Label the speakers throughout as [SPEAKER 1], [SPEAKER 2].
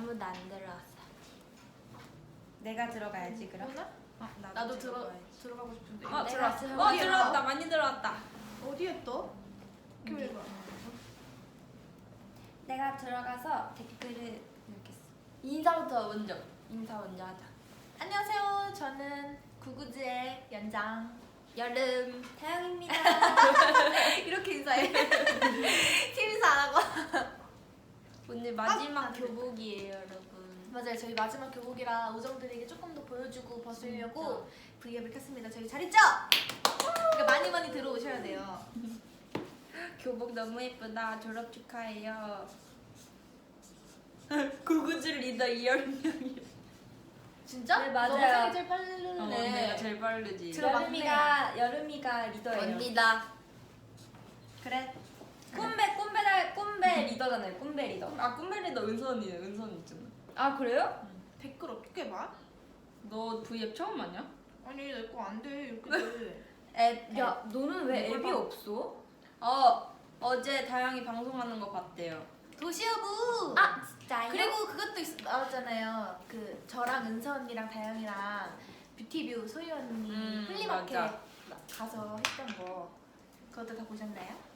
[SPEAKER 1] 아무도 안 들어왔어.
[SPEAKER 2] 내가 들어가야지 그럼.
[SPEAKER 3] 나도 들어가고 싶은데.
[SPEAKER 1] 들어왔어.
[SPEAKER 2] 들어왔다. 많이 들어왔다.
[SPEAKER 3] 어디에 떠?
[SPEAKER 1] 여기. 내가 들어가서 댓글을 이렇게 써. 인사부터 먼저. 인사 먼저 하자.
[SPEAKER 3] 안녕하세요. 저는 구구즈의 연장
[SPEAKER 1] 여름 태영입니다.
[SPEAKER 3] 이렇게 인사해. 팀 인사 안 하고.
[SPEAKER 1] 오늘 마지막 교복이에요, 여러분.
[SPEAKER 3] 맞아요. 저희 마지막 교복이라 우정들에게 조금 더 보여주고 벗으려고 V앱을 켰습니다. 저희 잘 있죠? 그러니까 많이 들어오셔야 돼요.
[SPEAKER 1] 교복 너무 예쁘다. 졸업 축하해요. 구구즈 리더 이여름이요.
[SPEAKER 3] 진짜?
[SPEAKER 1] 네, 맞아요.
[SPEAKER 3] 너 생일 제일 빠르네.
[SPEAKER 2] 내가 제일 빠르지.
[SPEAKER 1] 여름이가 리더예요.
[SPEAKER 3] 언니다.
[SPEAKER 1] 그래. 꿈배 리더잖아요. 꿈배 리더.
[SPEAKER 2] 꿈베 리더 은선이네. 은선 있잖아.
[SPEAKER 1] 아 그래요?
[SPEAKER 3] 댓글 어떻게 봐?
[SPEAKER 2] 너 V앱 처음 하냐?
[SPEAKER 3] 아니 내 거 안 돼. 이렇게 돼.
[SPEAKER 1] 야 너는 왜
[SPEAKER 3] 이걸
[SPEAKER 1] 앱이
[SPEAKER 3] 봐.
[SPEAKER 1] 없어?
[SPEAKER 2] 어제 다영이 방송하는 거 봤대요.
[SPEAKER 3] 도시여부.
[SPEAKER 1] 아 진짜요?
[SPEAKER 3] 그리고 그것도 나왔잖아요. 그 저랑 은서 언니랑 다영이랑 뷰티뷰 소유 언니 플리마켓
[SPEAKER 2] 맞아.
[SPEAKER 3] 가서 했던 거. 그것도 다 보셨나요?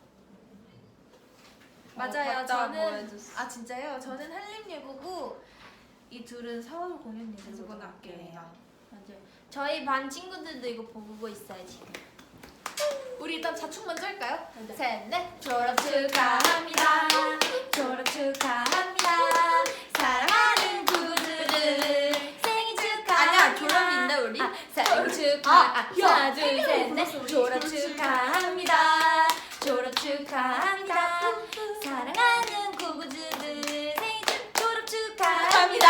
[SPEAKER 1] 맞아요.
[SPEAKER 2] 봤다고
[SPEAKER 1] 저는
[SPEAKER 2] 해줬어.
[SPEAKER 3] 아 진짜요? 저는 한림예고고 이 둘은 서울 공연 예고고
[SPEAKER 2] 세수고등학교예요.
[SPEAKER 1] 맞아요. 저희 반 친구들도 이거 보고 있어요 지금.
[SPEAKER 3] 우리 일단 자축 먼저 할까요?
[SPEAKER 1] 네.
[SPEAKER 3] 셋, 넷.
[SPEAKER 1] 졸업 축하합니다. 졸업 축하합니다. 사랑하는 구구들을 생일 축하.
[SPEAKER 2] 아니야, 졸업인데, 우리?
[SPEAKER 1] 생일 축하. 하나 둘 셋 넷.
[SPEAKER 3] 불렀어, 우리.
[SPEAKER 1] 졸업 축하합니다. 졸업 축하합니다. 사랑하는 구구들을 생일 졸업 축하합니다.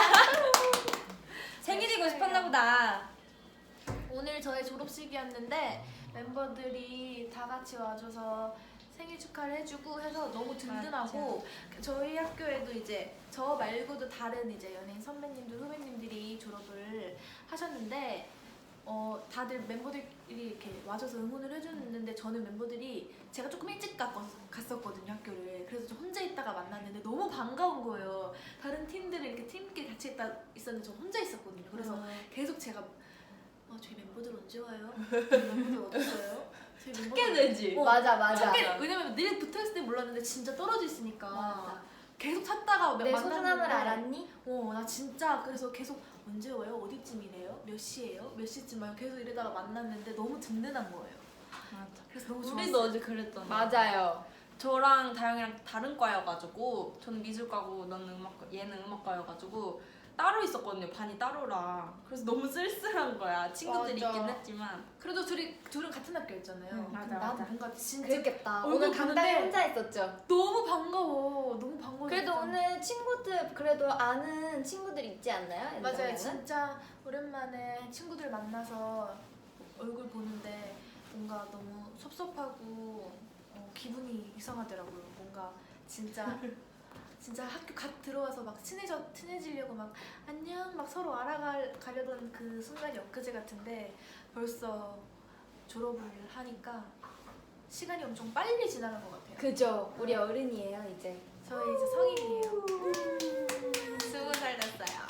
[SPEAKER 1] 생일이고 싶었나 보다.
[SPEAKER 3] 오늘 저의 졸업식이었는데 멤버들이 다 같이 와줘서 생일 축하를 해주고 해서 너무 든든하고 저희 학교에도 이제 저 말고도 다른 이제 연예인 선배님들 후배님들이 졸업을 하셨는데 다들 멤버들이 이렇게 와줘서 응원을 해줬는데 저는 멤버들이 제가 조금 일찍 갔었거든요 학교를. 그래서 저 혼자 있다가 만났는데 너무 반가운 거예요. 다른 팀들은 이렇게 팀끼리 같이 있었는데 저 혼자 있었거든요. 그래서 계속 제가 저희 멤버들 언제 와요? 저희 멤버들 어디 있어요? 저희 멤버들
[SPEAKER 2] 찾게 되지.
[SPEAKER 1] 맞아.
[SPEAKER 3] 찾게, 왜냐면 늘 붙어있을 때 몰랐는데 진짜 떨어져 있으니까
[SPEAKER 1] 맞아.
[SPEAKER 3] 계속 찾다가
[SPEAKER 1] 내
[SPEAKER 3] 만났는데
[SPEAKER 1] 소중함을 알았니?
[SPEAKER 3] 나 진짜 그래서 계속 언제 와요? 어디쯤이래요? 몇 시예요? 몇 시쯤 와요? 계속 이러다가 만났는데 너무 든든한 거예요.
[SPEAKER 2] 맞아.
[SPEAKER 3] 그래서 너무 좋았어요.
[SPEAKER 2] 우리도 어제 그랬잖아.
[SPEAKER 1] 맞아요.
[SPEAKER 2] 저랑 다영이랑 다른 과여가지고 저는 미술과고 너는 음악과, 얘는 음악과여가지고 따로 있었거든요. 반이 따로라. 그래서 너무 쓸쓸한 거야. 친구들이
[SPEAKER 3] 맞아.
[SPEAKER 2] 있긴 했지만.
[SPEAKER 3] 그래도 둘은 같은 학교였잖아요.
[SPEAKER 2] 맞아,
[SPEAKER 3] 근데 나는
[SPEAKER 2] 맞아.
[SPEAKER 3] 뭔가 진짜
[SPEAKER 1] 그랬겠다.
[SPEAKER 3] 얼굴
[SPEAKER 1] 오늘 당당히
[SPEAKER 3] 보는데
[SPEAKER 1] 혼자 있었죠.
[SPEAKER 3] 너무 반가워. 너무 반가워.
[SPEAKER 1] 그래도
[SPEAKER 3] 진짜.
[SPEAKER 1] 오늘 친구들 그래도 아는 친구들 있지 않나요?
[SPEAKER 3] 맞아요.
[SPEAKER 1] 연장에는?
[SPEAKER 3] 진짜 오랜만에 친구들 만나서 얼굴 보는데 뭔가 너무 섭섭하고 기분이 이상하더라고요. 뭔가 진짜 학교 갓 들어와서 막 친해지려고 막 안녕 막 서로 알아가려던 그 순간이 엊그제 같은데 벌써 졸업을 하니까 시간이 엄청 빨리 지나간 것 같아요.
[SPEAKER 1] 그죠. 우리 어른이에요 이제.
[SPEAKER 3] 저희 이제 성인이에요. 20살 됐어요.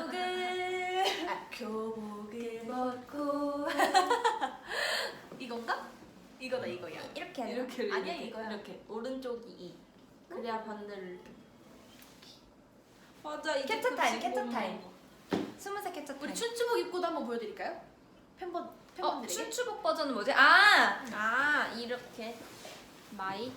[SPEAKER 3] 교복을
[SPEAKER 1] 먹고
[SPEAKER 3] 이건가? 이거다 이거야.
[SPEAKER 1] 이렇게 하나?
[SPEAKER 2] 이렇게
[SPEAKER 3] 아니야,
[SPEAKER 2] 이렇게,
[SPEAKER 3] 이거야.
[SPEAKER 2] 이렇게 오른쪽이 이. 그래야 반대를 이렇게. 맞아. 이게
[SPEAKER 1] 캡처 타임,
[SPEAKER 2] 급식
[SPEAKER 1] 캡처
[SPEAKER 2] 먹는
[SPEAKER 1] 타임.
[SPEAKER 2] 거.
[SPEAKER 1] 20살 캡처 타임.
[SPEAKER 3] 우리 춘추복 입고도 한번 보여드릴까요? 팬분들에게.
[SPEAKER 1] 춘추복 버전은 뭐지? 이렇게 마이.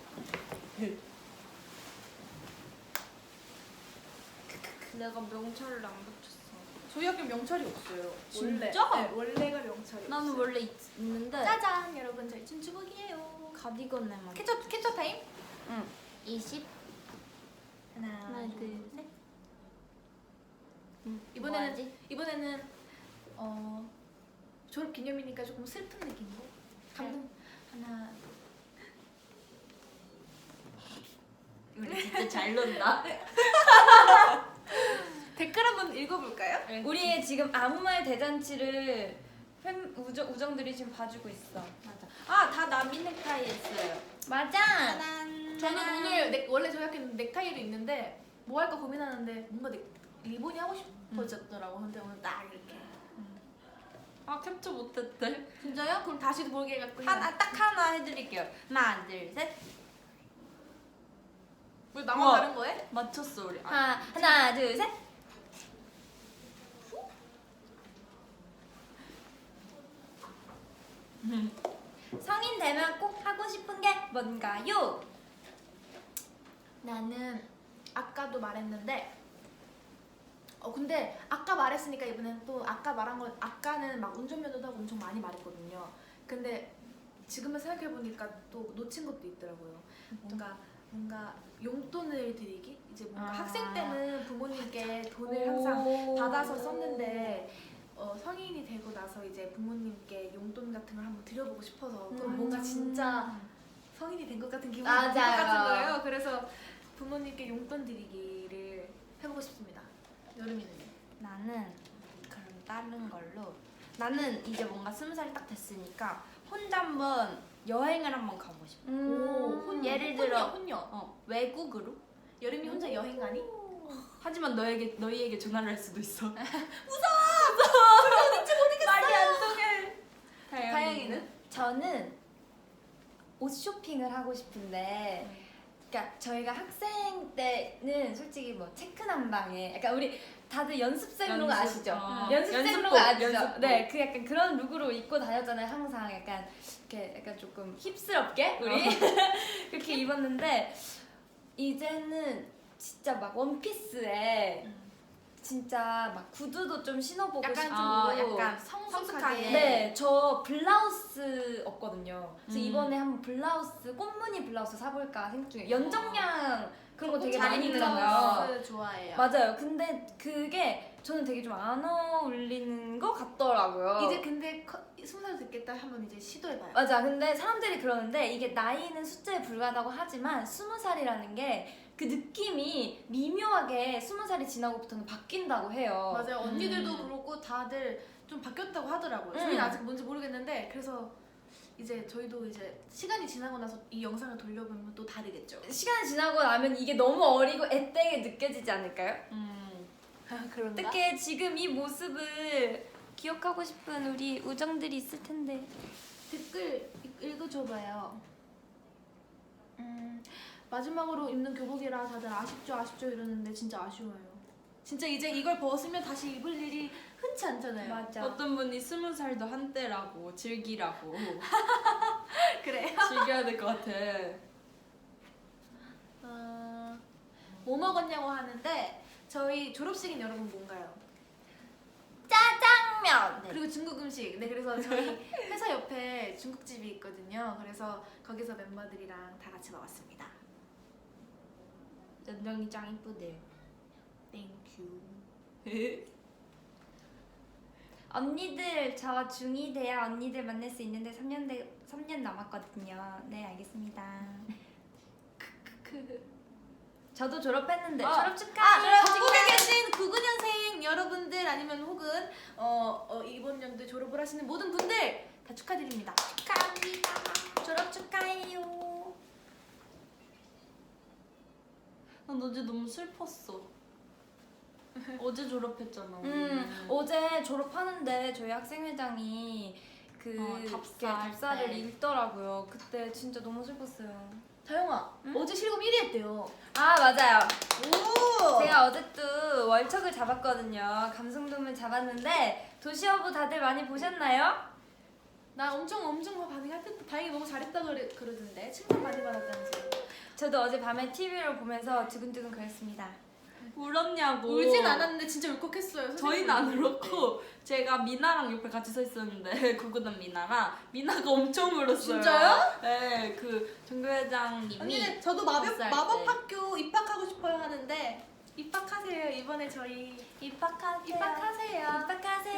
[SPEAKER 2] 내가 명찰을 안 붙였어.
[SPEAKER 3] 저희 학교 명찰이 없어요.
[SPEAKER 2] 진짜?
[SPEAKER 3] 원래, 네, 원래가 명찰이
[SPEAKER 1] 나는
[SPEAKER 3] 없어요.
[SPEAKER 1] 원래 있는데
[SPEAKER 3] 짜잔 여러분 저희 춘추복이에요.
[SPEAKER 1] 가디건에만.
[SPEAKER 3] 캡처 타임.
[SPEAKER 1] 응. 20.
[SPEAKER 3] 하나
[SPEAKER 1] 둘,
[SPEAKER 3] 셋.
[SPEAKER 1] 뭐하지?
[SPEAKER 3] 이번에는 졸업 기념이니까 조금 슬픈 느낌으로 감동. 하나
[SPEAKER 2] 우리 진짜 잘 논다.
[SPEAKER 3] 댓글 한번 읽어볼까요?
[SPEAKER 1] 우리의 지금 아무 말 대잔치를 우정들이 지금 봐주고 있어.
[SPEAKER 2] 맞아. 다 남이 넥타이 했어요.
[SPEAKER 1] 맞아.
[SPEAKER 3] 저는 오늘 원래 저희 학교는 넥타이를 입는데 뭐 할까 고민하는데 뭔가 리본이 하고 싶어졌더라고. 근데 오늘 딱 이렇게.
[SPEAKER 2] 아 캡처 못했대.
[SPEAKER 3] 진짜요? 그럼 다시 모르게 해갖고 해요.
[SPEAKER 2] 딱 하나 해드릴게요. 하나 둘 셋.
[SPEAKER 3] 왜 나만
[SPEAKER 2] 우와.
[SPEAKER 3] 다른 거해?
[SPEAKER 2] 맞췄어 우리.
[SPEAKER 1] 하나 둘 셋. 성인 되면 꼭 하고 싶은 게 뭔가요?
[SPEAKER 3] 나는 아까도 말했는데 근데 아까 말했으니까 이번엔 또 아까 말한 건 아까는 막 운전면허도 하고 엄청 많이 말했거든요. 근데 지금은 생각해보니까 또 놓친 것도 있더라고요. 뭔가 용돈을 드리기? 이제 뭔가 학생 때는 부모님께 돈을 항상 받아서 썼는데 성인이 되고 나서 이제 부모님께 용돈 같은 걸 한번 드려보고 싶어서 그럼 뭔가 진짜 성인이 된 것 같은 기분이 들 것
[SPEAKER 1] 맞아요.
[SPEAKER 3] 같은 거예요. 그래서 부모님께 용돈 드리기를 해보고 싶습니다. 여름이는요?
[SPEAKER 2] 나는 그럼 다른 걸로. 나는 이제 뭔가 20살 딱 됐으니까 혼자 한번 여행을 한번 가고 싶어. 예를 들어
[SPEAKER 3] 혼녀.
[SPEAKER 2] 외국으로.
[SPEAKER 3] 여름이 혼자 여행 가니?
[SPEAKER 2] 하지만 너희에게 전화를 할 수도 있어.
[SPEAKER 3] 말이 안 통해.
[SPEAKER 2] 다영이는?
[SPEAKER 1] 저는 옷 쇼핑을 하고 싶은데, 그러니까 저희가 학생 때는 솔직히 뭐 체크 난방에, 약간 우리 다들 연습생룩 아시죠? 연습생룩 아시죠?
[SPEAKER 2] 연습복.
[SPEAKER 1] 네, 그 약간 그런 룩으로 입고 다녔잖아요. 항상 약간 이렇게 약간 조금 힙스럽게 우리 그렇게 입었는데 이제는 진짜 막 원피스에 진짜 막 구두도 좀 신어보고
[SPEAKER 3] 약간
[SPEAKER 1] 싶고
[SPEAKER 2] 약간
[SPEAKER 3] 성숙하게.
[SPEAKER 1] 네, 저 블라우스 없거든요. 그래서
[SPEAKER 2] 음.
[SPEAKER 1] 이번에 한번 블라우스, 꽃무늬 블라우스 사볼까 생각 중이에요. 연정량 그런 거 되게
[SPEAKER 2] 잘
[SPEAKER 1] 많이
[SPEAKER 2] 입는
[SPEAKER 1] 입잖아요.
[SPEAKER 3] 블라우스 좋아해요.
[SPEAKER 1] 맞아요. 근데 그게 저는 되게 좀 안 어울리는 것 같더라고요.
[SPEAKER 3] 이제 근데 20살 됐겠다 하면 이제 시도해봐요.
[SPEAKER 1] 맞아. 근데 사람들이 그러는데 이게 나이는 숫자에 불과하다고 하지만 20살이라는 게 그 느낌이 미묘하게 20살이 지나고부터는 바뀐다고 해요.
[SPEAKER 3] 맞아요. 언니들도 그렇고 다들 좀 바뀌었다고 하더라고요. 저희는 아직 뭔지 모르겠는데 그래서 이제 저희도 이제 시간이 지나고 나서 이 영상을 돌려보면 또 다르겠죠.
[SPEAKER 1] 시간이 지나고 나면 이게 너무 어리고 애되게 느껴지지 않을까요?
[SPEAKER 3] 그런가?
[SPEAKER 1] 어떻게 지금 이 모습을 기억하고 싶은 우리 우정들이 있을 텐데.
[SPEAKER 3] 댓글 읽어줘봐요. 마지막으로 입는 교복이라 다들 아쉽죠 이러는데 진짜 아쉬워요. 진짜 이제 이걸 벗으면 다시 입을 일이 흔치 않잖아요.
[SPEAKER 1] 맞아.
[SPEAKER 2] 어떤 분이 20살도 한때라고 즐기라고.
[SPEAKER 3] 그래.
[SPEAKER 2] 즐겨야 될 것 같아.
[SPEAKER 3] 뭐 먹었냐고 하는데 저희 졸업식인 여러분 뭔가요?
[SPEAKER 1] 짜장면. 네.
[SPEAKER 3] 그리고 중국 음식. 네, 그래서 저희 회사 옆에 중국집이 있거든요. 그래서 거기서 멤버들이랑 다 같이 먹었습니다.
[SPEAKER 2] 연정이 짱 이쁘대요.
[SPEAKER 3] 땡큐.
[SPEAKER 1] 언니들 저 중2 돼야 언니들 만날 수 있는데 3년 남았거든요. 네, 알겠습니다. 저도 졸업했는데 졸업 축하해요.
[SPEAKER 3] 전국에 계신 99년생 여러분들 아니면 혹은 이번 연도에 졸업을 하시는 모든 분들 다 축하드립니다.
[SPEAKER 1] 축하합니다. 졸업 축하해요.
[SPEAKER 2] 난 어제 너무 슬펐어. 어제 졸업했잖아.
[SPEAKER 1] 어제 졸업하는데 저희 학생회장이 그 답사를
[SPEAKER 2] 때.
[SPEAKER 1] 읽더라고요. 그때 진짜 너무 슬펐어요.
[SPEAKER 3] 다영아, 어제 실검 1위 했대요.
[SPEAKER 1] 아, 맞아요.
[SPEAKER 3] 오!
[SPEAKER 1] 제가 어제 또 월척을 잡았거든요. 감성돔을 잡았는데 도시어부 다들 많이 보셨나요?
[SPEAKER 3] 나 엄청 반응했대. 다행히 너무 잘했다 그러던데. 칭찬 많이 받았다면서요.
[SPEAKER 1] 저도 어제 밤에 TV를 보면서 두근두근 그랬습니다.
[SPEAKER 2] 울었냐고.
[SPEAKER 3] 울진 않았는데 진짜 울컥했어요.
[SPEAKER 2] 저희는 안 울었고 제가 미나랑 옆에 같이 서 있었는데 구구단 미나랑 미나가 엄청 울었어요.
[SPEAKER 3] 진짜요?
[SPEAKER 2] 네, 그 정교 회장님이
[SPEAKER 3] 언니, 저도
[SPEAKER 2] 몇 살 때?
[SPEAKER 3] 마법학교 입학하고 싶어요 하는데 입학하세요. 이번에 저희
[SPEAKER 1] 입학하세요.
[SPEAKER 3] 입학하세요.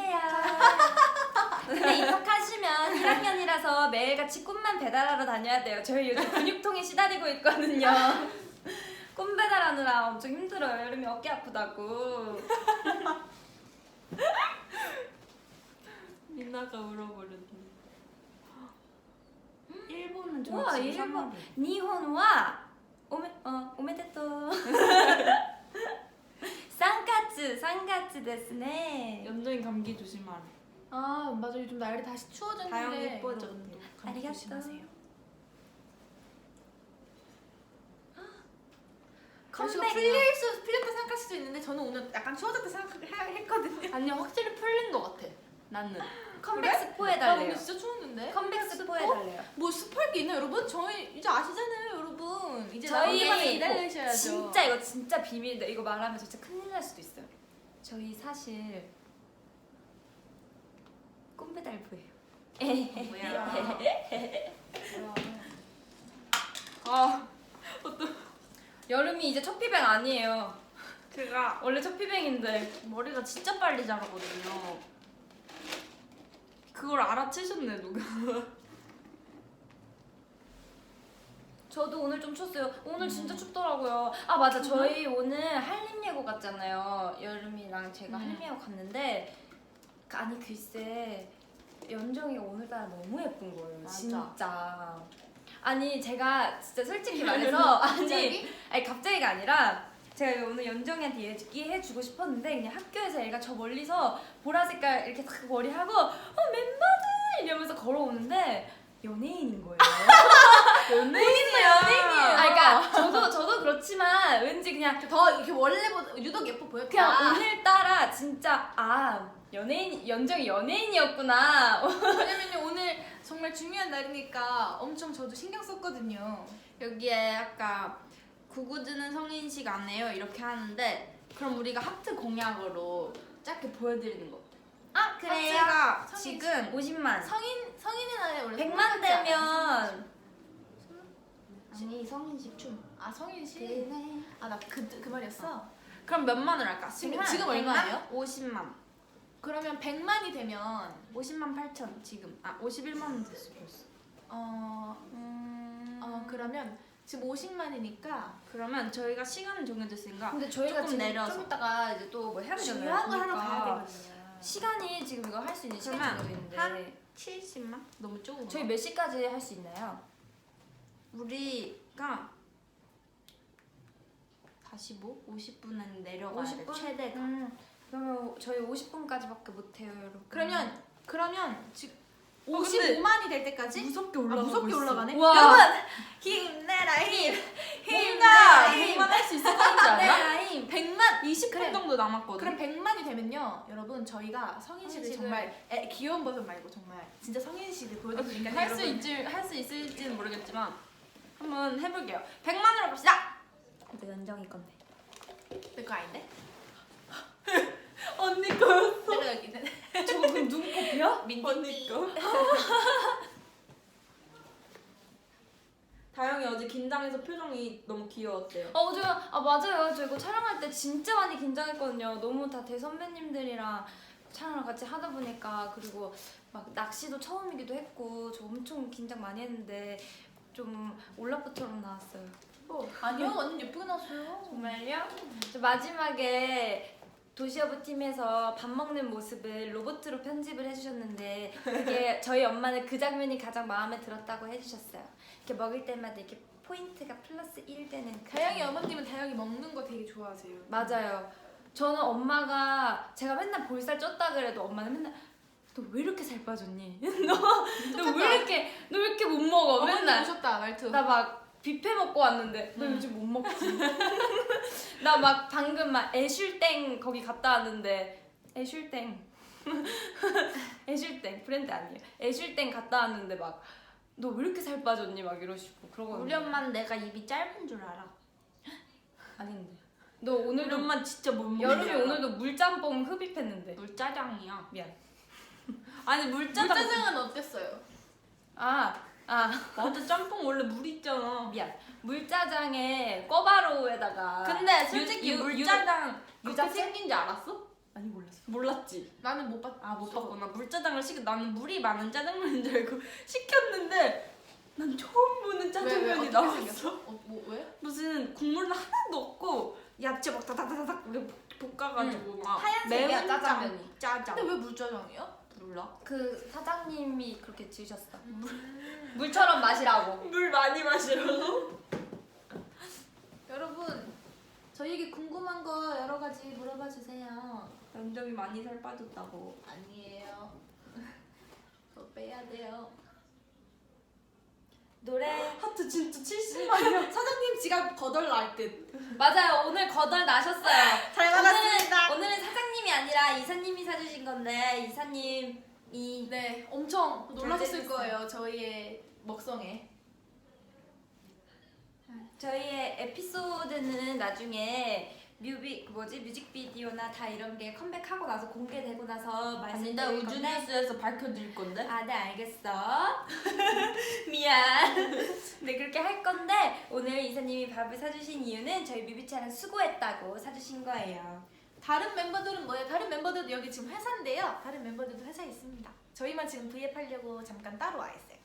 [SPEAKER 1] 근데 입학하시면 1학년이라서 매일같이 꿈만 배달하러 다녀야 돼요. 저희 요즘 근육통에 시달리고 있거든요. 꿈 배달하느라 엄청 힘들어요. 여름이 어깨 아프다고.
[SPEAKER 2] 미나가 울어버렸네.
[SPEAKER 1] 일본은
[SPEAKER 2] 우와,
[SPEAKER 1] 좋지.
[SPEAKER 2] 일본.
[SPEAKER 1] 니혼와 오메데토. 쌍카츠. 3月ですね.
[SPEAKER 2] 연정이 감기 조심하라.
[SPEAKER 3] 아 맞아 요즘 날이 다시
[SPEAKER 2] 다영이
[SPEAKER 3] 추워졌는데
[SPEAKER 2] 예뻐졌대.
[SPEAKER 3] 여러분도 감기
[SPEAKER 1] 아리가또.
[SPEAKER 3] 조심하세요.
[SPEAKER 1] 컴백.
[SPEAKER 3] 날씨가 풀렸다 생각할 수도 있는데 저는 오늘 약간 추워졌다 생각했거든요.
[SPEAKER 2] 아니 확실히 풀린 것 같아. 나는.
[SPEAKER 1] 컴백 스포
[SPEAKER 3] 나
[SPEAKER 1] 해달래요.
[SPEAKER 3] 오늘 진짜 추웠는데.
[SPEAKER 1] 컴백 스포 해달래요.
[SPEAKER 3] 뭐 스포할 게 있나요 여러분? 저희 이제 아시잖아요 여러분. 이제
[SPEAKER 1] 저희
[SPEAKER 3] 나오기만 기다리셔야죠.
[SPEAKER 1] 진짜 이거 진짜 비밀인데 이거 말하면 진짜 큰일 날 수도 있어요. 저희 사실 꿈배달부예요.
[SPEAKER 2] 뭐야. 아
[SPEAKER 1] 여름이 이제 첫 피뱅 아니에요.
[SPEAKER 2] 제가
[SPEAKER 1] 원래 첫 피뱅인데
[SPEAKER 2] 머리가 진짜 빨리 자라거든요. 그걸 알아채셨네 누가.
[SPEAKER 1] 저도 오늘 좀 춥어요. 오늘 진짜 춥더라고요. 아 맞아 저희 오늘 한림예고 갔잖아요. 여름이랑 제가 한림예고 갔는데 아니 글쎄 연정이가 오늘따라 너무 예쁜 거예요.
[SPEAKER 2] 맞아.
[SPEAKER 1] 진짜. 아니 제가 진짜 솔직히 말해서 아니 갑자기가 아니라 제가 오늘 연정이한테 얘기해주고 싶었는데 그냥 학교에서 얘가 저 멀리서 보라 색깔 이렇게 딱 머리하고 멤버들 이러면서 걸어오는데 연예인인 거예요.
[SPEAKER 2] 연예인이야.
[SPEAKER 1] 아 그러니까 저도 그렇지만 왠지 그냥
[SPEAKER 3] 더 이렇게 원래보다 유독 예뻐 보였다.
[SPEAKER 1] 그냥 오늘따라 진짜 연예인 연정이 연예인이었구나.
[SPEAKER 3] 왜냐면요 오늘 정말 중요한 날이니까 엄청 저도 신경 썼거든요.
[SPEAKER 2] 여기에 아까 구구즈는 성인식 안 해요 이렇게 하는데 그럼 우리가 하트 공약으로 짧게 보여드리는 거.
[SPEAKER 1] 아
[SPEAKER 2] 하트가
[SPEAKER 3] 성인식.
[SPEAKER 2] 지금
[SPEAKER 1] 50만.
[SPEAKER 3] 성인의 날에 원래
[SPEAKER 1] 100만
[SPEAKER 3] 성인식
[SPEAKER 1] 되면 아니 성인식 춤.
[SPEAKER 3] 아 성인식?
[SPEAKER 1] 그네.
[SPEAKER 3] 아 나 그 말이었어?
[SPEAKER 2] 그럼 몇 만을 할까?
[SPEAKER 3] 지금 얼마예요?
[SPEAKER 2] 50만.
[SPEAKER 3] 그러면 100만이 되면
[SPEAKER 2] 50만 8천 지금. 51만 원 됐어 벌써.
[SPEAKER 3] 그러면 지금 50만이니까
[SPEAKER 2] 그러면 저희가 시간을 정해졌으니까
[SPEAKER 1] 근데 저희가
[SPEAKER 2] 조금
[SPEAKER 1] 지금
[SPEAKER 2] 내려서.
[SPEAKER 1] 좀 이따가 이제 또 뭐 해야 되잖아요.
[SPEAKER 3] 중요한 걸 하러
[SPEAKER 1] 그러니까
[SPEAKER 3] 가야 되거든요.
[SPEAKER 1] 시간이 지금 이거 할 수 있는 시간이
[SPEAKER 2] 그러면
[SPEAKER 1] 정해져
[SPEAKER 2] 한
[SPEAKER 1] 있는데
[SPEAKER 2] 70만? 너무 조금.
[SPEAKER 1] 저희 몇 시까지 할 수 있나요?
[SPEAKER 2] 우리가 45? 50분은 내려가야
[SPEAKER 1] 50분?
[SPEAKER 2] 돼 최대가.
[SPEAKER 1] 그러면 저희 50분까지밖에 못 해요, 여러분.
[SPEAKER 3] 그러면 지금
[SPEAKER 2] 근데
[SPEAKER 3] 55만이 될 때까지
[SPEAKER 2] 무섭게
[SPEAKER 3] 무섭게 올라가네.
[SPEAKER 1] 우와.
[SPEAKER 3] 여러분 힘내라 힘.
[SPEAKER 2] 뭔가
[SPEAKER 3] 힘내라
[SPEAKER 2] 100만 할 수 있을 것 같지 않아?
[SPEAKER 1] 라임.
[SPEAKER 3] 100만
[SPEAKER 2] 20분
[SPEAKER 3] 그래.
[SPEAKER 2] 정도 남았거든.
[SPEAKER 3] 그럼 100만이 되면요, 여러분 저희가 성인식을
[SPEAKER 1] 성인식을-
[SPEAKER 3] 정말 귀여운 버전 말고 정말 진짜 성인식을 보여드리니까
[SPEAKER 2] 할 수 있을지는 모르겠지만 한번 해볼게요. 100만으로 갑시다.
[SPEAKER 1] 이거 연정이 건데.
[SPEAKER 3] 내거 아닌데?
[SPEAKER 2] 언니 거였어.
[SPEAKER 3] 내가 여기 있는
[SPEAKER 1] 저거 그럼 누구 커피야?
[SPEAKER 2] 언니 거. 다영이 어제 긴장해서 표정이 너무 귀여웠대요.
[SPEAKER 1] 맞아요. 저 이거 촬영할 때 진짜 많이 긴장했거든요. 너무 다 대선배님들이랑 촬영을 같이 하다 보니까 그리고 막 낚시도 처음이기도 했고 저 엄청 긴장 많이 했는데 좀 올라프처럼 나왔어요.
[SPEAKER 3] 아니요, 완전 예쁘게 나왔어요.
[SPEAKER 1] 정말요? 저 마지막에 도시어부 팀에서 밥 먹는 모습을 로봇으로 편집을 해주셨는데 그게 저희 엄마는 그 장면이 가장 마음에 들었다고 해주셨어요. 이렇게 먹을 때마다 이렇게 포인트가 플러스 1 되는 그
[SPEAKER 3] 다영이
[SPEAKER 1] 장면.
[SPEAKER 3] 어머님은 다영이 먹는 거 되게 좋아하세요.
[SPEAKER 1] 맞아요. 저는 엄마가 제가 맨날 볼살 쪘다 그래도 엄마는 맨날 너 왜 이렇게 살 빠졌니? 너 왜 이렇게 못 먹어?
[SPEAKER 3] 어머니
[SPEAKER 1] 맨날
[SPEAKER 3] 오셨다 말투.
[SPEAKER 1] 나 막 뷔페 먹고 왔는데 너 요즘 못 먹지? 나 막 방금 막 애슐땡 거기 갔다 왔는데 애슐땡 브랜드 아니에요. 애슐땡 갔다 왔는데 막 너 왜 이렇게 살 빠졌니? 막 이러시고 그러거든요.
[SPEAKER 2] 우리 엄마는 내가 입이 짧은 줄 알아.
[SPEAKER 1] 아닌데 너
[SPEAKER 2] 우리
[SPEAKER 1] 오늘도
[SPEAKER 2] 엄마 진짜 못 먹는
[SPEAKER 1] 여름이
[SPEAKER 2] 줄 알아.
[SPEAKER 1] 오늘도 물짬뽕 흡입했는데
[SPEAKER 2] 물짜장이야.
[SPEAKER 1] 미안.
[SPEAKER 2] 아니 물짜장.
[SPEAKER 3] 물짜장은 어땠어요?
[SPEAKER 2] 맞아 짬뽕 원래 물 있잖아.
[SPEAKER 1] 미안. 물짜장에 꿔바로우에다가
[SPEAKER 2] 근데 솔직히
[SPEAKER 1] 유-
[SPEAKER 2] 물짜장 그렇게
[SPEAKER 1] 유자채?
[SPEAKER 2] 생긴 줄 알았어?
[SPEAKER 1] 아니 몰랐어.
[SPEAKER 2] 몰랐지.
[SPEAKER 3] 나는 못 봤.
[SPEAKER 2] 못 봤구나. 물짜장을 나는 물이 많은 짜장면인 줄 알고 시켰는데 난 처음 보는 짜장면이 나왔어.
[SPEAKER 3] 왜?
[SPEAKER 2] 무슨 국물 하나도 없고 야채 막 다다다닥 볶아가지고 막
[SPEAKER 1] 하얀색이야,
[SPEAKER 2] 매운
[SPEAKER 1] 짜장면이.
[SPEAKER 2] 짜장.
[SPEAKER 3] 근데 왜 물짜장이야?
[SPEAKER 2] 몰라.
[SPEAKER 1] 그 사장님이 그렇게 지으셨어. 물처럼 마시라고.
[SPEAKER 2] 물 많이 마시라고.
[SPEAKER 3] 여러분 저희에게 궁금한 거 여러 가지 물어봐 주세요.
[SPEAKER 2] 연정이 많이 살 빠졌다고.
[SPEAKER 3] 아니에요. 더 빼야 돼요.
[SPEAKER 1] 노래
[SPEAKER 2] 하트 진짜 70만이야.
[SPEAKER 3] 사장님 지갑 거덜 날 듯.
[SPEAKER 1] 맞아요. 오늘 거덜 나셨어요.
[SPEAKER 3] 잘 받았습니다.
[SPEAKER 1] 오늘은 사장님이 아니라 이사님이 사주신 건데 이사님이
[SPEAKER 3] 네, 엄청 놀라셨을
[SPEAKER 1] 결제했어요.
[SPEAKER 3] 거예요. 저희의 먹성에.
[SPEAKER 1] 저희의 에피소드는 나중에 뮤직비디오나 다 이런 게 컴백하고 나서 공개되고 나서
[SPEAKER 2] 아니다
[SPEAKER 1] 말씀드릴 건데.
[SPEAKER 2] 우주뉴스에서 밝혀드릴 건데.
[SPEAKER 1] 아, 네, 알겠어. 미안. 네, 그렇게 할 건데 오늘 이사님이 밥을 사주신 이유는 저희 뮤비차랑 수고했다고 사주신 거예요.
[SPEAKER 3] 다른 멤버들은 뭐예요? 다른 멤버들도 여기 지금 회사인데요. 다른 멤버들도 회사에 있습니다. 저희만 지금 V앱 하려고 잠깐 따로 와 있어요.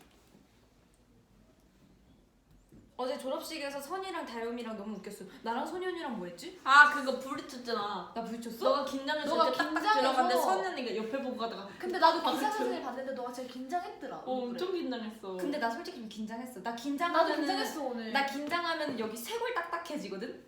[SPEAKER 1] 어제 졸업식에서 선이랑 다영이랑 너무 웃겼어. 나랑 선이 언니랑 뭐 했지?
[SPEAKER 2] 아 그거 부딪혔잖아.
[SPEAKER 1] 나 부딪혔어?
[SPEAKER 2] 너가 긴장해서
[SPEAKER 3] 너가
[SPEAKER 2] 이렇게 딱딱
[SPEAKER 3] 긴장해서-
[SPEAKER 2] 들어갔는데 선이 언니가 옆에 보고 가다가
[SPEAKER 3] 근데 나도 기사 사진을 봤는데 너가 제일 긴장했더라.
[SPEAKER 2] 엄청 긴장했어.
[SPEAKER 1] 근데 나 솔직히 좀 긴장했어. 나
[SPEAKER 3] 나도
[SPEAKER 1] 긴장하면은
[SPEAKER 3] 긴장했어 오늘.
[SPEAKER 1] 나 긴장하면 여기 쇄골 딱딱해지거든.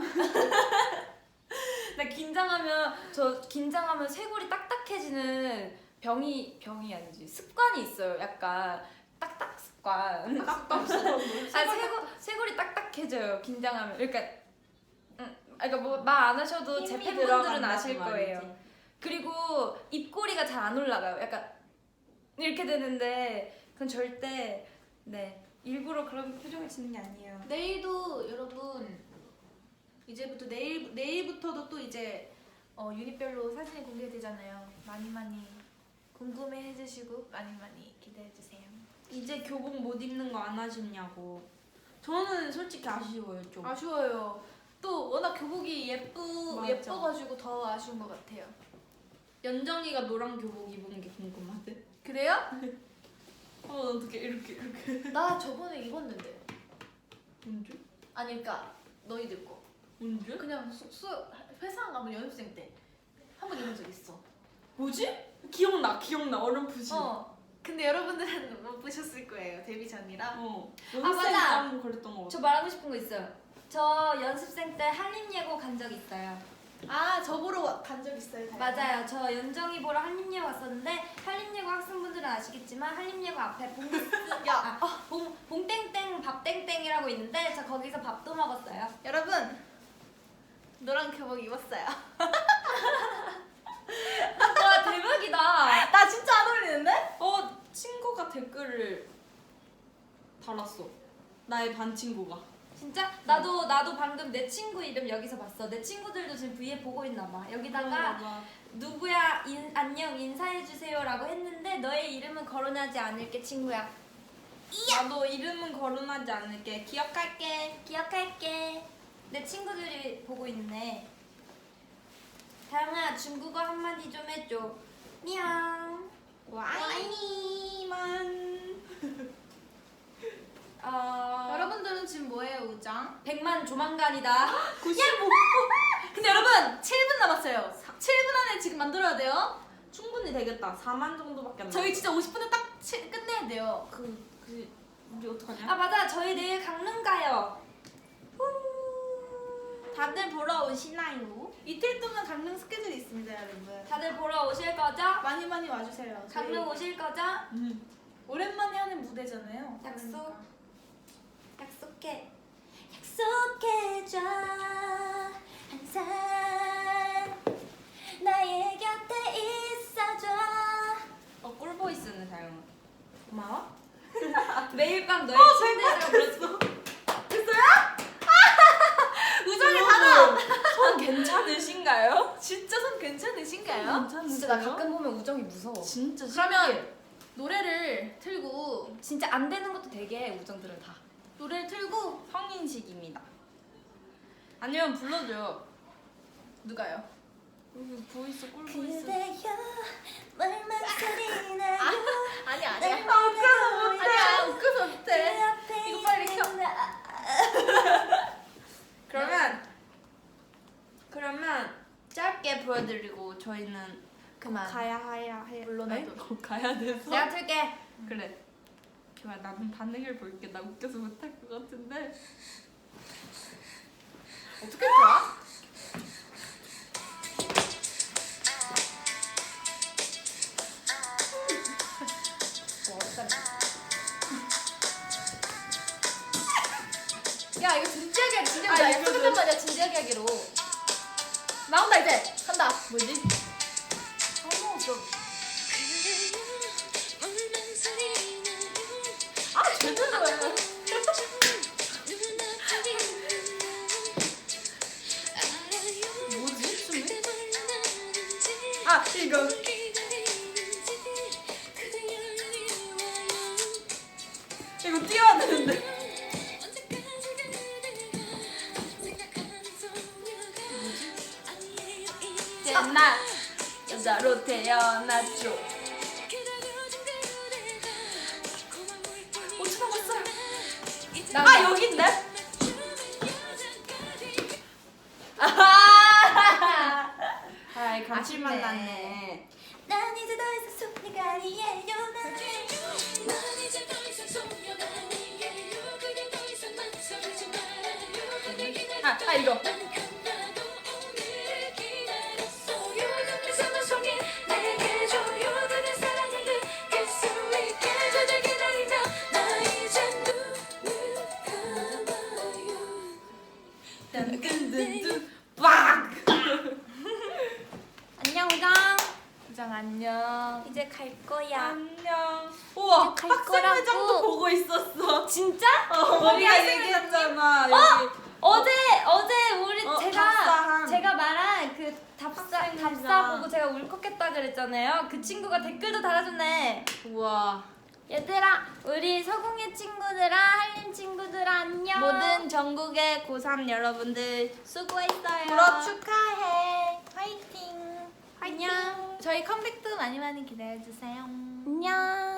[SPEAKER 1] 나 긴장하면 쇄골이 딱딱해지는 병이 아니지 습관이 있어요. 약간 딱딱 습관.
[SPEAKER 2] 딱딱
[SPEAKER 1] 쇄골이 딱딱해져요. 긴장하면. 그러니까 뭐 말 안 하셔도 제
[SPEAKER 2] 힘이
[SPEAKER 1] 팬분들은
[SPEAKER 2] 들어간다고
[SPEAKER 1] 아실 거예요.
[SPEAKER 2] 말이지.
[SPEAKER 1] 그리고 입꼬리가 잘 안 올라가요. 약간 이렇게 되는데 그건 절대 네 일부러 그런 표정을 짓는 게 아니에요.
[SPEAKER 3] 내일도 여러분 이제부터 내일부터도 또 이제 유닛별로 사진이 공개되잖아요. 많이 궁금해 해주시고 많이 기대해 주세요.
[SPEAKER 2] 이제 교복 못 입는 거 안 아쉽냐고. 저는 솔직히 아쉬워요 좀.
[SPEAKER 3] 아쉬워요. 또 워낙 교복이
[SPEAKER 2] 맞아.
[SPEAKER 3] 예뻐가지고 더 아쉬운 것 같아요.
[SPEAKER 2] 연정이가 노란 교복 입은 게 궁금하대.
[SPEAKER 3] 그래요?
[SPEAKER 2] 난 어떻게 이렇게
[SPEAKER 3] 나 저번에 입었는데.
[SPEAKER 2] 언제?
[SPEAKER 3] 아니 그러니까 너희들 거.
[SPEAKER 2] 언제?
[SPEAKER 3] 그냥 회사 안 가면 연습생 때 한 번 입은 적 있어.
[SPEAKER 2] 뭐지? 기억나 어렴풋이.
[SPEAKER 3] 근데 여러분들은 못 보셨을 거예요. 데뷔 전이라.
[SPEAKER 1] 맞아.
[SPEAKER 2] 한번 그랬던 거 같아.
[SPEAKER 1] 저 말하고 싶은 거 있어요. 저 연습생 때 한림예고 간 적 있어요.
[SPEAKER 3] 아, 저 보러 간 적 있어요. 다행히.
[SPEAKER 1] 맞아요. 저 연정이 보러 한림예고 왔었는데 한림예고 학생분들은 아시겠지만 한림예고 앞에 봉땡땡 밥땡땡이라고 있는데 저 거기서 밥도 먹었어요.
[SPEAKER 3] 여러분 노란 교복 입었어요.
[SPEAKER 1] 와 대박이다.
[SPEAKER 3] 나 진짜 안 어울리는데?
[SPEAKER 2] 친구가 댓글을 달았어. 나의 반 친구가.
[SPEAKER 1] 진짜? 나도 방금 내 친구 이름 여기서 봤어. 내 친구들도 지금 V에 보고 있나 봐. 여기다가 누구야 안녕 인사해주세요라고 했는데 너의 이름은 거론하지 않을게 친구야.
[SPEAKER 2] 나도 이름은 거론하지 않을게.
[SPEAKER 1] 기억할게. 내 친구들이 보고 있네. 다영아 중국어 한마디 좀 해줘. 니앙.
[SPEAKER 2] 와이니만.
[SPEAKER 3] 여러분들은 지금 뭐해요, 우장?
[SPEAKER 1] 100만 조만간이다.
[SPEAKER 2] 95.
[SPEAKER 3] 근데 여러분 7분 남았어요. 7분 안에 지금 만들어야 돼요.
[SPEAKER 2] 충분히 되겠다. 4만 정도밖에 안 나.
[SPEAKER 3] 저희 진짜 50분에 딱 끝내야 돼요.
[SPEAKER 2] 우리 어떡하냐?
[SPEAKER 1] 아 맞아 저희 내일 강릉 가요.
[SPEAKER 2] 다들 보러 오시나요?
[SPEAKER 3] 이틀 동안 강릉 스케줄이 있습니다, 여러분.
[SPEAKER 1] 다들 보러 오실 거죠?
[SPEAKER 3] 많이 와주세요. 저희
[SPEAKER 1] 강릉 오실 거죠?
[SPEAKER 3] 오랜만에 하는 무대잖아요.
[SPEAKER 1] 약속.
[SPEAKER 3] 그러니까.
[SPEAKER 1] 약속해줘 항상 나의 곁에 있어줘.
[SPEAKER 2] 꿀보이스는 다영아.
[SPEAKER 1] 고마워. 매일 밤 너의 침대에서 불렀어.
[SPEAKER 3] 우정이 하나.
[SPEAKER 2] 손 괜찮으신가요?
[SPEAKER 3] 진짜 손 괜찮으신가요?
[SPEAKER 1] 진짜 나 가끔 보면 우정이 무서워.
[SPEAKER 2] 진짜
[SPEAKER 3] 그러면 노래를 틀고
[SPEAKER 1] 진짜 안 되는 것도 되게 우정들은 다.
[SPEAKER 3] 노래를 틀고
[SPEAKER 2] 성인식입니다. 아니면 불러줘요.
[SPEAKER 3] 누가요?
[SPEAKER 2] 보이스 꿀보이스.
[SPEAKER 1] 그대여 말만 소리 나요.
[SPEAKER 3] 아니야.
[SPEAKER 1] 웃겨서
[SPEAKER 3] 아니야. 웃겨서 못해. 이거 빨리 켜.
[SPEAKER 2] 그러면 짧게 보여드리고 저희는
[SPEAKER 3] 그만.
[SPEAKER 2] 가야 해.
[SPEAKER 3] 물론이도.
[SPEAKER 2] 곧 가야 돼서.
[SPEAKER 1] 내가 틀게.
[SPEAKER 2] 그래. 좋아, 나는 반응을 볼게. 나 웃겨서 못할 것 같은데.
[SPEAKER 3] 어떻게 봐? 야 이거 진지하게 하기 진짜 나 약속했단 말이야 진지하게 하기로 나온다 이제 한다 뭐지? 아 제대로 해 뭐지 춤이? 아 이거 이거 뛰어야 되는데 나 여자로 태어났죠. 5초 남았어요. 아 여기인데? 아이 감칠맛
[SPEAKER 1] 아쉽네.
[SPEAKER 3] 났네.
[SPEAKER 1] 난 이제 더 이상 소녀가 아니에요.
[SPEAKER 4] 난 이제 더 이상 소녀가 아니에요. 그대 더 이상 망설이지 말아요. 그댈 기다렸던
[SPEAKER 3] 아 이거.
[SPEAKER 4] 나도 오늘을 기다렸어요. 눈빛 사만 속에 내게 줘요. 그대 사랑을 느낄 수 있게 그댈 기다리며 나 이제 눈을 감아요.
[SPEAKER 3] 든든든든 빡.
[SPEAKER 1] 안녕 우정.
[SPEAKER 3] 우정 안녕.
[SPEAKER 1] 이제 갈 거야.
[SPEAKER 3] 안녕. 우와
[SPEAKER 1] 갈
[SPEAKER 3] 학생회장도
[SPEAKER 1] 거라고.
[SPEAKER 3] 보고 있었어.
[SPEAKER 1] 진짜?
[SPEAKER 3] 우리가
[SPEAKER 1] 학생회장님?
[SPEAKER 3] 얘기했잖아. 여기.
[SPEAKER 1] 어제 우리
[SPEAKER 3] 답사한.
[SPEAKER 1] 제가 말한 그 답사
[SPEAKER 3] 학생회장.
[SPEAKER 1] 보고 제가 울컥했다 그랬잖아요. 그 친구가 댓글도 달아줬네.
[SPEAKER 3] 우와.
[SPEAKER 1] 얘들아, 우리 서공예 친구들아, 한림 친구들아 안녕.
[SPEAKER 3] 모든 전국의 고3 여러분들
[SPEAKER 1] 수고했어요.
[SPEAKER 3] 졸업 축하해.
[SPEAKER 1] 화이팅.
[SPEAKER 3] 안녕. 저희 컴백도 많이 많이 기대해 주세요.
[SPEAKER 1] 안녕.